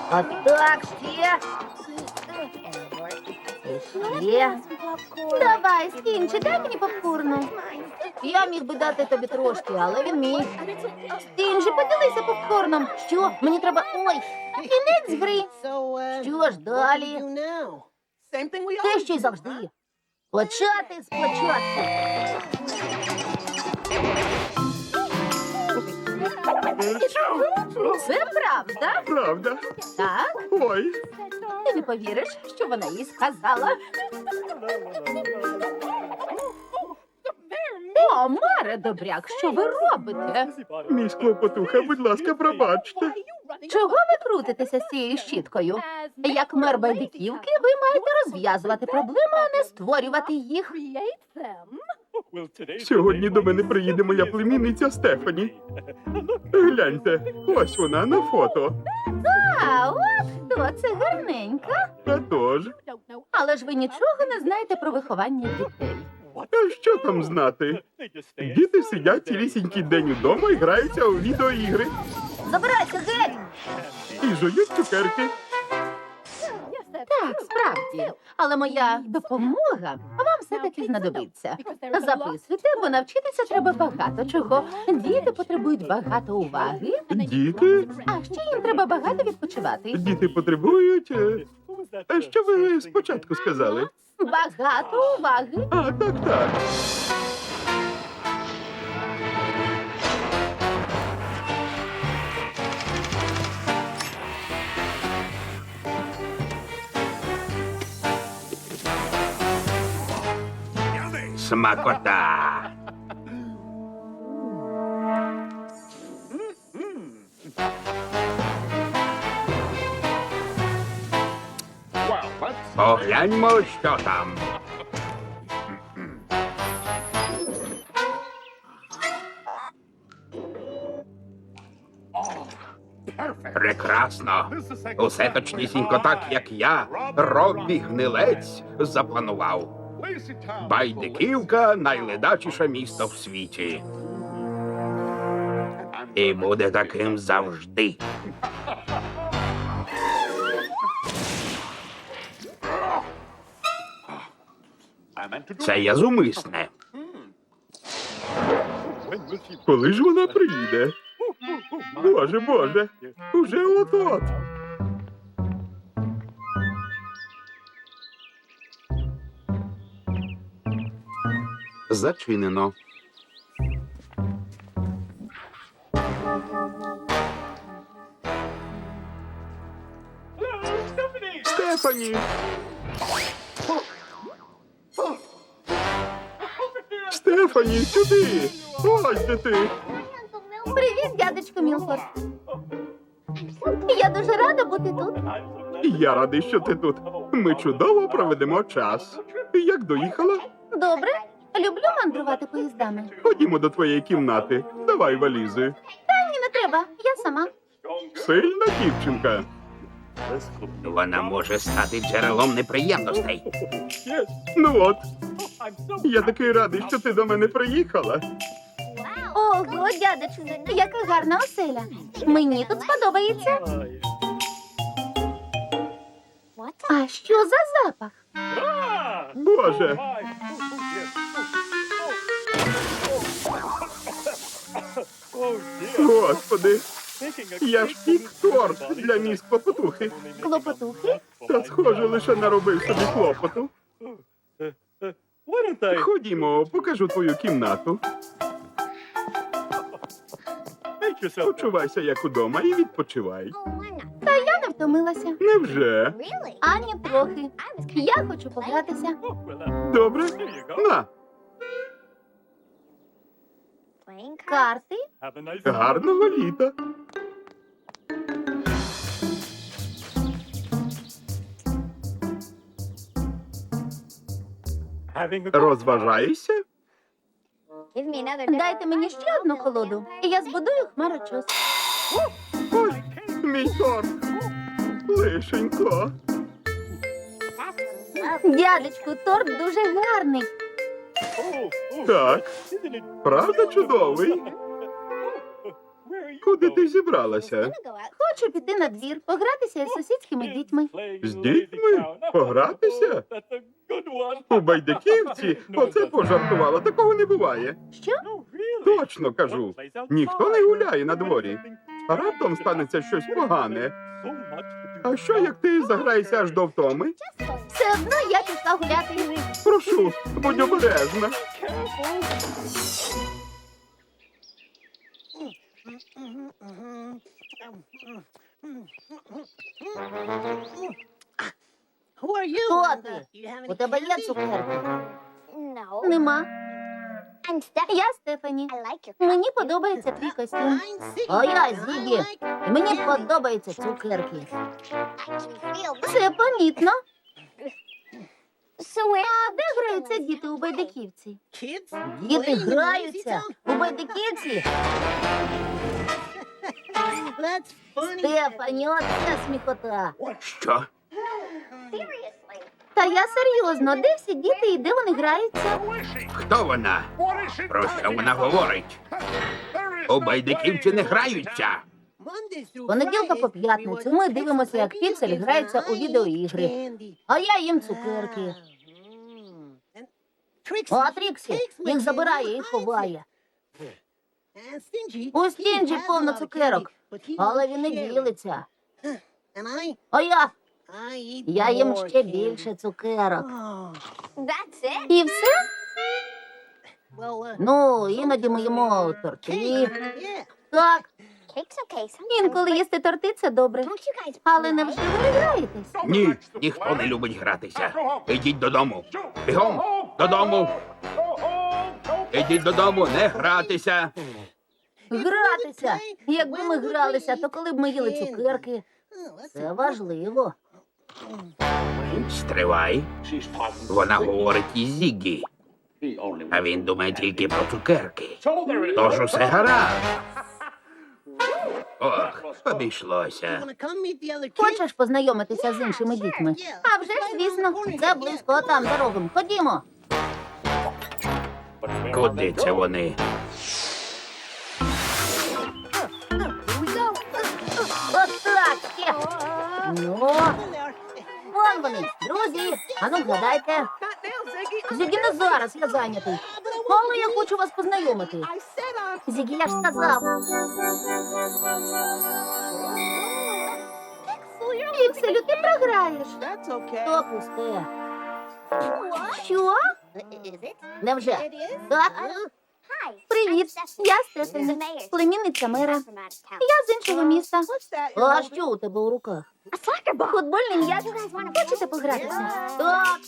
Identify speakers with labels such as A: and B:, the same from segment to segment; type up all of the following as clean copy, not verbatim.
A: Отак, ще. Ще. Давай, Стінчі, дай мені попкорну. Я міг би дати тобі трошки, але він мій. Стінчі, поділися попкорном. Що? Мені треба... Ой, кінець гри. Що ж далі? Те, що й завжди. Почати спочатку. Це правда?
B: Правда?
A: Так?
B: Ой,
A: Ти не повіриш, що вона їй сказала? О, Маре Добряк, що ви робите?
B: мій склопотуха, будь ласка, пробачте.
A: Чого ви крутитеся з цією щіткою? Як мер байдиківки, ви маєте розв'язувати проблеми, а не створювати їх.
B: Сьогодні до мене приїде моя племінниця Стефані. Гляньте, ось вона на фото.
A: А, от хто це гарненька.
B: А тож,
A: Але ж ви нічого не знаєте про виховання дітей.
B: а що там знати? Діти сидять цілісінький день удома і граються у відеоігри.
A: Забирайся геть!
B: І жують цукерки.
A: Так, справді. Але моя допомога вам все-таки знадобиться. Записуйте, бо навчитися треба багато чого. Діти потребують багато уваги,
B: Діти?
A: а ще їм треба багато відпочивати.
B: Діти потребують... А що ви спочатку сказали?
A: Багато уваги.
B: А, так, так.
C: Смакота. Погляньмо, що там. Прекрасно. Усе точнісінько так, як я, Роббі Гнилець, запланував. Байдиківка — найледачіше місто в світі. І буде таким завжди. Це я зумисне.
B: Коли ж вона приїде? Боже, боже, уже от-от.
C: Зачинено.
B: Стефані! Стефані, сюди! Ось де ти!
A: Привіт, дядечко Мілфорд. Я дуже рада бути тут.
B: Я радий, що ти тут. Ми чудово проведемо час. Як доїхала?
A: Добре. Люблю мандрувати поїздами.
B: Ходімо до твоєї кімнати. Давай валізи.
A: Ні, не треба. Я сама.
B: Сильна дівчинка.
C: Вона може стати джерелом неприємностей.
B: Ну от, я такий радий, що ти до мене приїхала.
A: Ого, дядечко, яка гарна оселя. Мені тут сподобається. А що за запах?
B: Боже, господи, я ж пік торт для міс клопотухи.
A: Клопотухи?
B: Та схоже, лише наробив собі клопоту. Ходімо, покажу твою кімнату. Почувайся як удома і відпочивай.
A: Та я не втомилася.
B: Невже?
A: Ані трохи. Я хочу погратися.
B: Добре? На,
A: Карти?
B: гарного літа. Розважаєшся?
A: Дайте мені ще одну колоду, і я збудую хмарочос.
B: Ой, мій торт. Лишенько.
A: Дядечку, торт дуже гарний.
B: Так, правда чудовий? Куди ти зібралася?
A: Хочу піти на двір, погратися із сусідськими дітьми.
B: З дітьми? Погратися? У Байдиківці? Оце пожартувала, такого не буває.
A: Що?
B: Точно кажу. Ніхто не гуляє на дворі. А раптом станеться щось погане. А що, як ти заграєшся аж до втоми?
A: Все одно я пішла гуляти.
B: Прошу, будь обережна.
A: Хто ти? У тебе є цукерки? Нема. Я Стефані. Мені подобається твій костюм. А я Зігі. І мені подобаються цукерки. Це помітно. А де граються діти у Байдиківці? Діти граються у Байдиківці? Стефані, оце сміхота.
C: Що?
A: Та я серйозно, де всі діти і де вони граються?
C: Хто вона? Про що вона говорить? У Байдиківці не граються.
A: З понеділка по п'ятницю ми дивимося, як Піксель грається у відеоігри. А я їм цукерки. А Тріксі їх забирає і ховає. У Стінджі повно цукерок, але він не ділиться. А я їм ще більше цукерок. І все? Ну, іноді ми їмо торти. Так, інколи їсти торти – це добре. Але невже ви граєтесь?
C: Ні, ніхто не любить гратися. Ідіть додому. Бігом, додому. Ідіть додому, не гратися.
A: Гратися! Якби ми гралися, то коли б ми їли цукерки? Це важливо.
C: Стривай. Вона говорить із Зігі. А він думає тільки про цукерки. Тож усе гаразд. Ох, обійшлося.
A: Хочеш познайомитися з іншими дітьми? А вже ж, звісно, це близько, там за рогом. Ходімо.
C: Куди це вони?
A: Отак ще. Ну, вон вони, друзі. Ану, вгадайте. Зігі, не зараз, я зайнятий. Але я хочу вас познайомити. Зігі, я ж сказав. Пікселю, ти програєш. То пусте. Що? Невже? Так? Привіт, я Стефані, племінниця мера. Я з іншого міста. А що у тебе у руках? Футбольний м'яч. Хочете погратися? Так.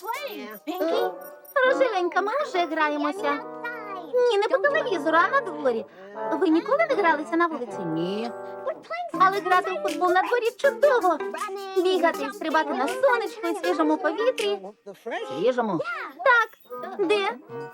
A: Рожевенька, ми вже граємося. Ні, не по телевізору, а на дворі. Ви ніколи не гралися на вулиці? Ні. Але грати у футбол на дворі чудово. Бігати і стрибати на сонечку і свіжому повітрі. Свіжому? Так. Де?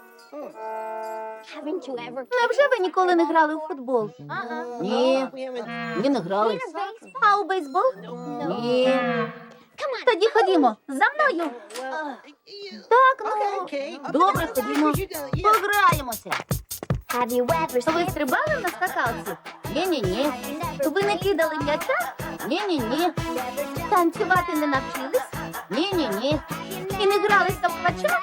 A: Невже ви ніколи не грали у футбол? Ні. Ні, не грали. А у бейсбол? Ні. Тоді ходімо. За мною. Так, ну. Добре, ходімо. Пограємося. Ви стрибали на скакалці? Ні-ні-ні. Ви не кидали м'яча? Ні-ні-ні. Танцювати не навчились? Ні-ні-ні. І не гралися в квачок?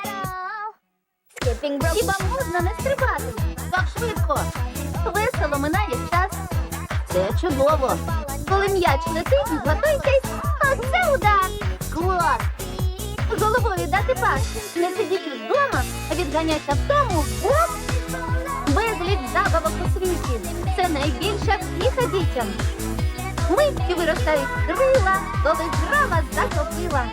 A: Хіба можна не стрибати? Так швидко. Весело минає час. Це чудово. Коли м'яч летить, готуйтесь. Оце удар. Клас. Головою дати пас. Не сидіть вдома, а відганяйся в тому. Оп! Безліч забавок у світі. Це найбільша втіха дітям. Митки виростають крила, коли гра вас захопила.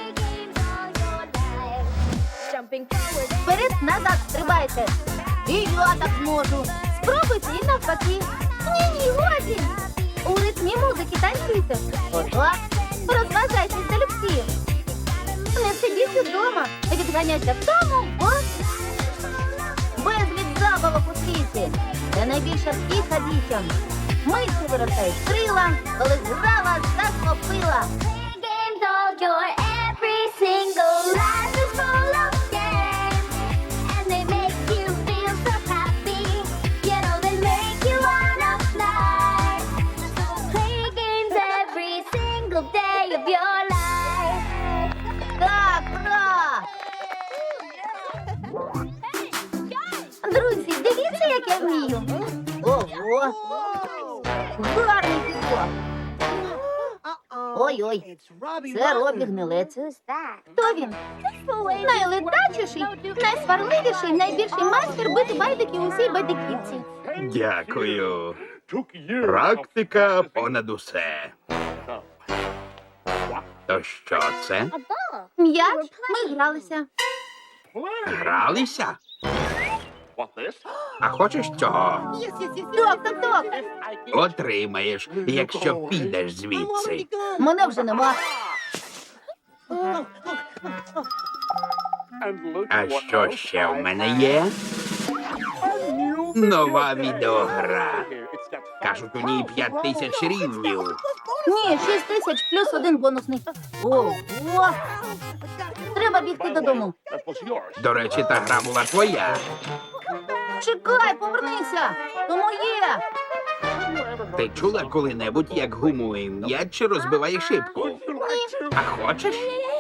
A: Вперед-назад стрибайте. І я так зможу. Спробуйте і навпаки. Ні-ні, годі. У ритмі музики танцюйте. Отак. Розважайтесь залюбки. Не сидіть вдома. Відганяйте в тому. Ось. Безліч забавок у світі. Це найбільша втіха дітям. Митки виростають крила, коли гра вас захопила.
D: single day of your life.
A: Так, ура! Друзі, дивіться, як я вмію. Ого! Гарний підкоп. Ой-ой, це Робі Гнилець. Хто він? Найледачіший, найсварливіший, найбільший майстер бити байдики у всій байдиківці.
C: Дякую. Практика понад усе. То що це?
A: М'яч, ми гралися.
C: Гралися? А хочеш цього?
A: Ток.
C: Отримаєш, якщо підеш звідси.
A: Мене вже нема.
C: А що ще в мене є? Нова відеогра. Кажуть, у ній 5000 рівнів.
A: Ні, 6000 плюс один бонусний. Ого! Треба бігти додому.
C: До речі, та гра була твоя.
A: Чекай, повернися! То моє!
C: Ти чула коли-небудь, як гумує м'яч чи розбиває шибку? А хочеш?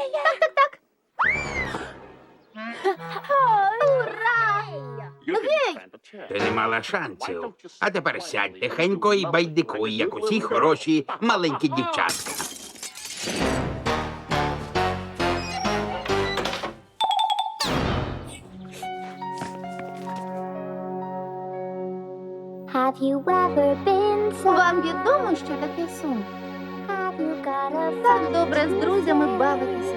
A: Ура! Гей!
C: Ти не мала шансів. А тепер сядь тихенько і байдикуй, як усі хороші маленькі дівчатка.
D: Have you ever been so?
A: Вам відомо, що таке сум?
D: Have you got a
A: Так добре з друзями бавитися.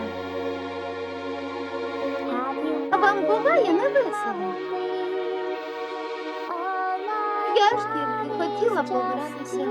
D: Have you
A: А вам буває невесело? Я ж тільки хотіла погратися.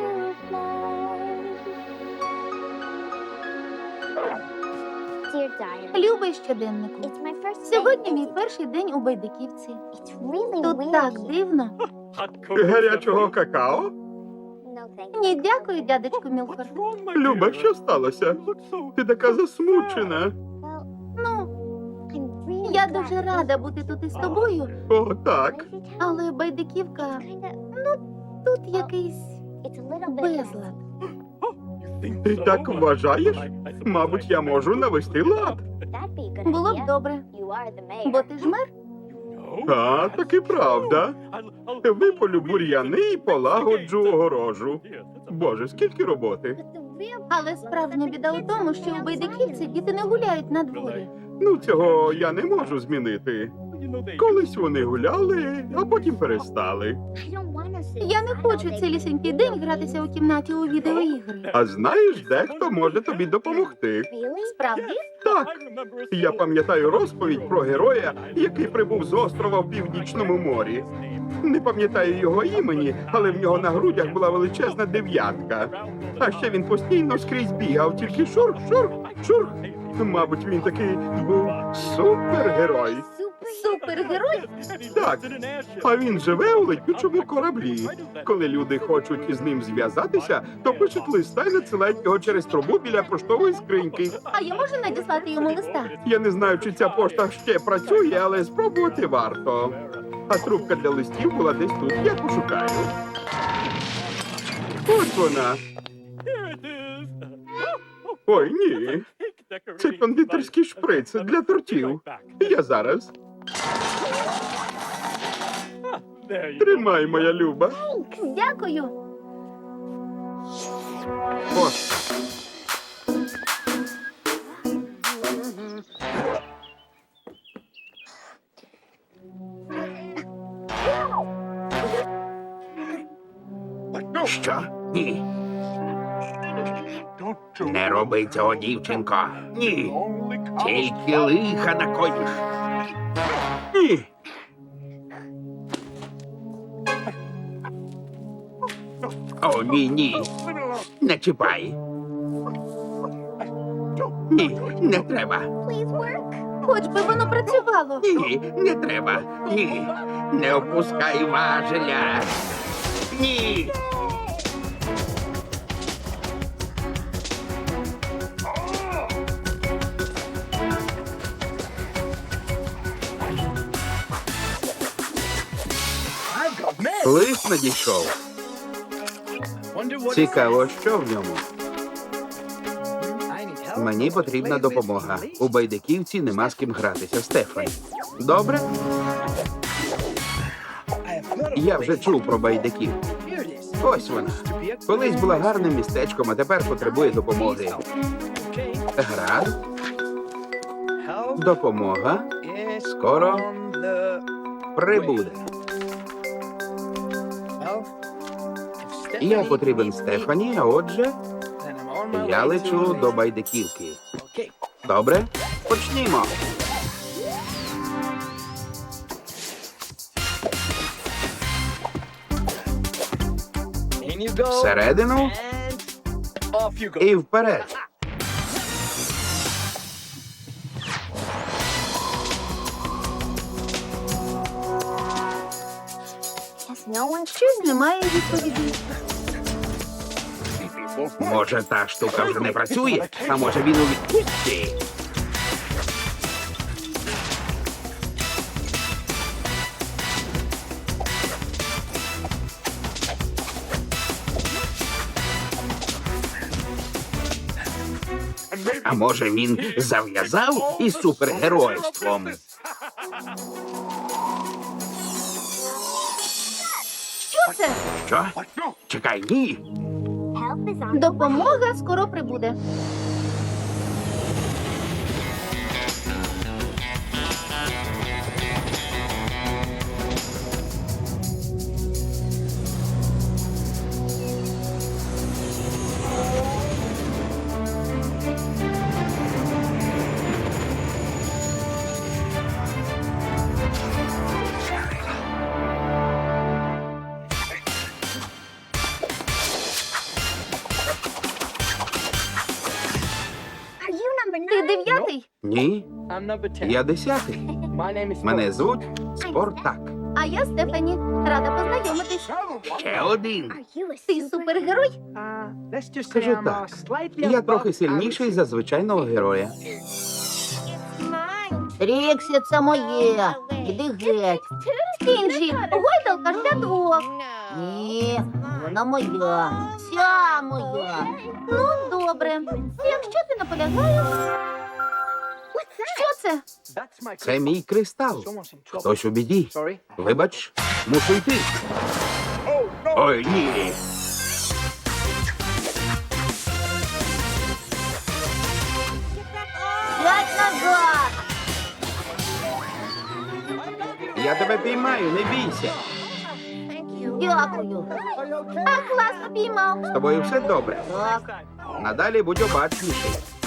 D: Dear diary,
A: Любий щоденнику.
D: it's my first
A: Сьогодні
D: day.
A: мій перший день у байдиківці.
D: It's really
A: Тут так
D: weird.
A: дивно.
B: Гарячого какао?
D: No thank you.
A: Ні, дякую, дядечку Мілфорд.
B: Люба, що сталося? Ти така засмучена.
D: Well,
A: Ну,
D: I'm really
A: я
D: glad
A: дуже
D: to
A: рада бути тут із тобою,
B: О, так.
D: visit town.
A: але байдиківка,
D: Kinda,
A: тут якийсь
D: it's a little bit
A: безлад.
B: Ти так вважаєш? Мабуть, я можу навести лад.
D: That'd be a good
A: Було б
D: idea.
A: добре,
D: You are the mayor.
A: бо ти ж мер.
B: А, таки правда. Виполю бур'яни і полагоджу огорожу. Боже, скільки роботи.
D: But the real
A: Але справжня біда у тому, що у байдиківці діти не гуляють на дворі.
B: Ну, цього я не можу змінити. Колись вони гуляли, а потім перестали.
D: I don't wanna sit
A: Я не хочу цілісінький день гратися у кімнаті у відеоігри.
B: А знаєш, дехто може тобі допомогти.
D: Really?
A: Справді?
B: Так, я пам'ятаю розповідь про героя, який прибув з острова в Північному морі. Не пам'ятаю його імені, але в нього на грудях була величезна дев'ятка. А ще він постійно скрізь бігав, тільки шурх, шурх, шурх. Мабуть, він такий був супергерой.
A: Супергерой?
B: Так, а він живе у летючому кораблі. Коли люди хочуть із ним зв'язатися, то пишуть листа і надсилають його через трубу біля поштової скриньки.
A: А я можу надіслати йому листа?
B: Я не знаю, чи ця пошта ще працює, але спробувати варто. А трубка для листів була десь тут. Я пошукаю. Ось вона. Ой, ні. Це кондитерський шприц для тортів. Я зараз. Тримай, моя люба.
A: Дякую.
B: Ось.
C: Що? Ні. Не роби цього, дівчинко. Ні. Тільки лиха накоїш. Ні. О, ні, ні. Не чіпай. Ні, не треба.
D: Please work.
A: Хоч би воно працювало.
C: Ні, не треба. Ні. Не опускай важеля. Ні. Лист надійшов. Цікаво, що в ньому. Мені потрібна допомога. У байдиківці нема з ким гратися. Стефані. Добре? Я вже чув про байдиків. Ось вона. Колись була гарним містечком, а тепер потребує допомоги. Гаразд. Допомога скоро прибуде. Я потрібен Стефані, а отже, я лечу до байдиківки. Добре? Почнімо. Всередину і вперед.
A: Щось немає відповіді.
C: Може, та штука вже не працює, а може він у відпустці. А може він зав'язав із супергеройством?
A: Що це?
C: Що? Чекай, ні.
A: Допомога скоро прибуде. Ти 9-й,
C: Ні, я 10-й. Мене звуть Спортак.
A: а я Стефані. Рада познайомитись.
C: Ще один.
A: Ти супергерой?
C: Скажу так, я трохи сильніший за звичайного героя.
A: Тріксі, це моє. Іди геть. Стінджі, гойдалка ж для двох. Ні, вона моя. Вся моя. Ну, добре. Якщо ти наполягаєш. Що це?
C: Це мій кристал. Хтось у біді. Вибач, мушу йти. Ой, ні.
A: Сядь назад.
C: Я тебе піймаю, не бійся.
A: Дякую. А класно піймав.
C: З тобою все добре.
A: Так.
C: Надалі будь обачніший.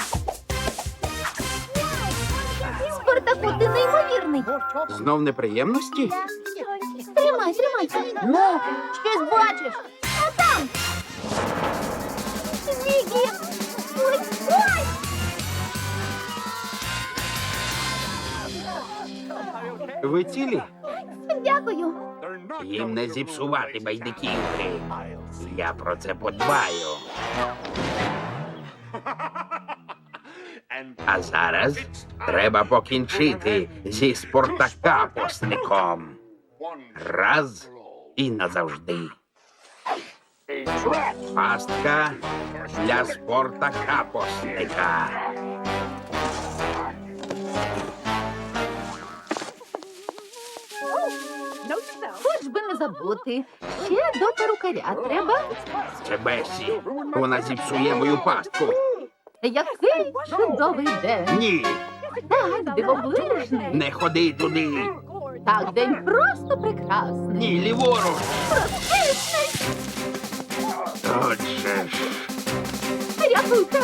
A: Спартаку, ти неймовірний.
C: Знов неприємності?
A: Тримай, тримай. Ну, щось бачиш. А там. Зігі. Ой, ой.
C: Ви цілі?
A: Дякую.
C: Їм не зіпсувати байдиківки. Я про це подбаю. А зараз треба покінчити зі спортакапосником. Раз і назавжди. Пастка для спортакапосника.
A: Хоч би не забути. Ще до перукаря треба.
C: Це Бесі. Вона зіпсує мою пастку.
A: Який чудовий день.
C: Ні,
A: Так, дивовижний.
C: не ходи туди.
A: Так, день просто прекрасний.
C: Ні, ліворуч.
A: Розкішний.
C: Отже ж.
A: Рятуйте.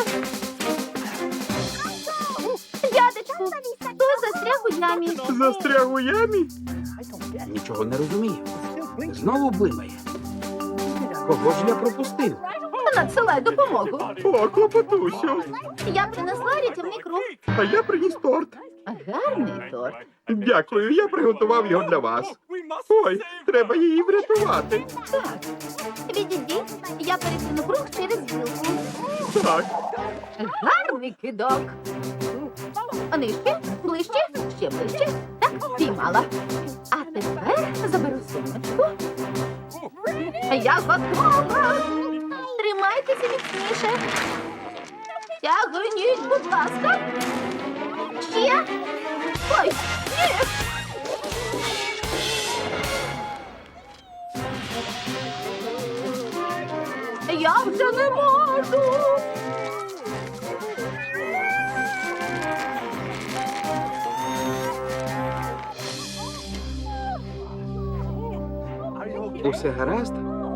A: Дядечку, хто застряг у ямі?
B: Застряг у ямі?
C: Нічого не розумію. Знову блимає. Кого ж я пропустив?
A: Надсилай допомогу.
B: О, клопотусю.
A: Я принесла рятівний круг.
B: А я приніс торт.
A: Гарний торт.
B: Дякую, я приготував його для вас. Ой, треба її врятувати.
A: Так. Відійдіть, я перекину круг через гілку.
B: Так,
A: Гарний кидок. Нижче, ближче, ще ближче. Так, піймала. А тепер заберу сумочку. Я готова. Тримайтеся міцніше. Тягніть, будь ласка. Ще. Ой, ні. Я вже не можу.
C: Усе гаразд?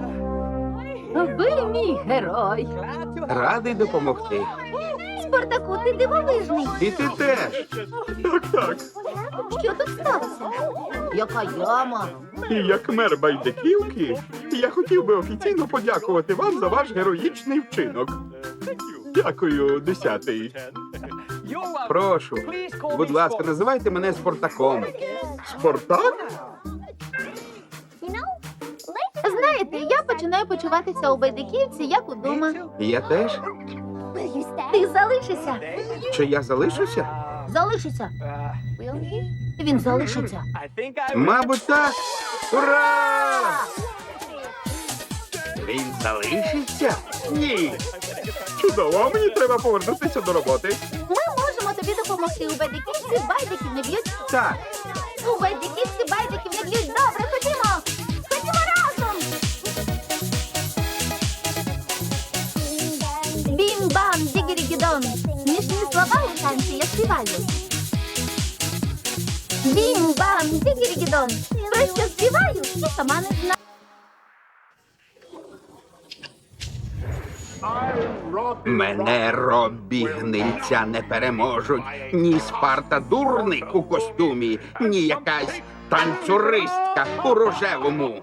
A: Ви мій герой.
C: Радий допомогти.
A: Спартаку, ти дивовижний.
C: І ти теж.
B: Так.
A: Що тут сталося? Яка яма?
B: І як мер Байдиківки, я хотів би офіційно подякувати вам за ваш героїчний вчинок. Дякую, 10-й.
C: Прошу. Будь ласка, називайте мене Спартаком.
B: Спартак?
A: Знаєте, я починаю почуватися у Байдиківці, як удома.
C: Я теж?
A: Ти залишишся.
C: Чи я залишуся?
A: Залишися. Він залишиться.
C: Мабуть, так. Ура! Він залишиться? Ні.
B: Чудово, а мені треба повернутися до роботи.
A: Ми можемо тобі допомогти. У Байдиківці байдиків не б'ють.
C: Так.
A: У Байдиківці байдиків не б'ють. Добре, ходімо. Ходімо разом. Бім-бам, дігірі-гідон. Смішні слова у танці я співаю. Бім-бам, дігірі-гідон. Про що співаю і сама не знаю.
C: Мене Роббі Гнильця не переможуть. Ні Спарта дурник у костюмі, ні якась танцюристка у рожевому.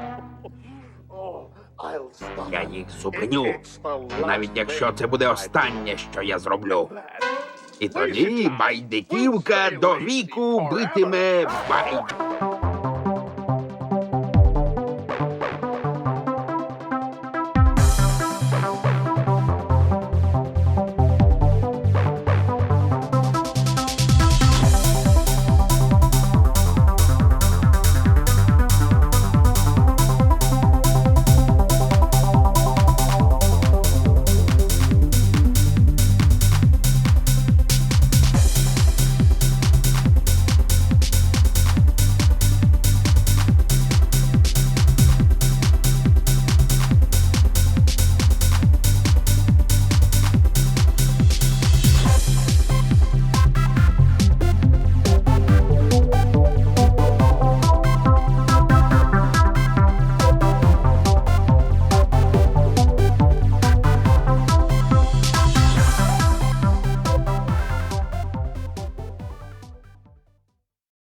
C: Я їх зупиню, навіть якщо це буде останнє, що я зроблю. І тоді Байдиківка до віку битиме Байд.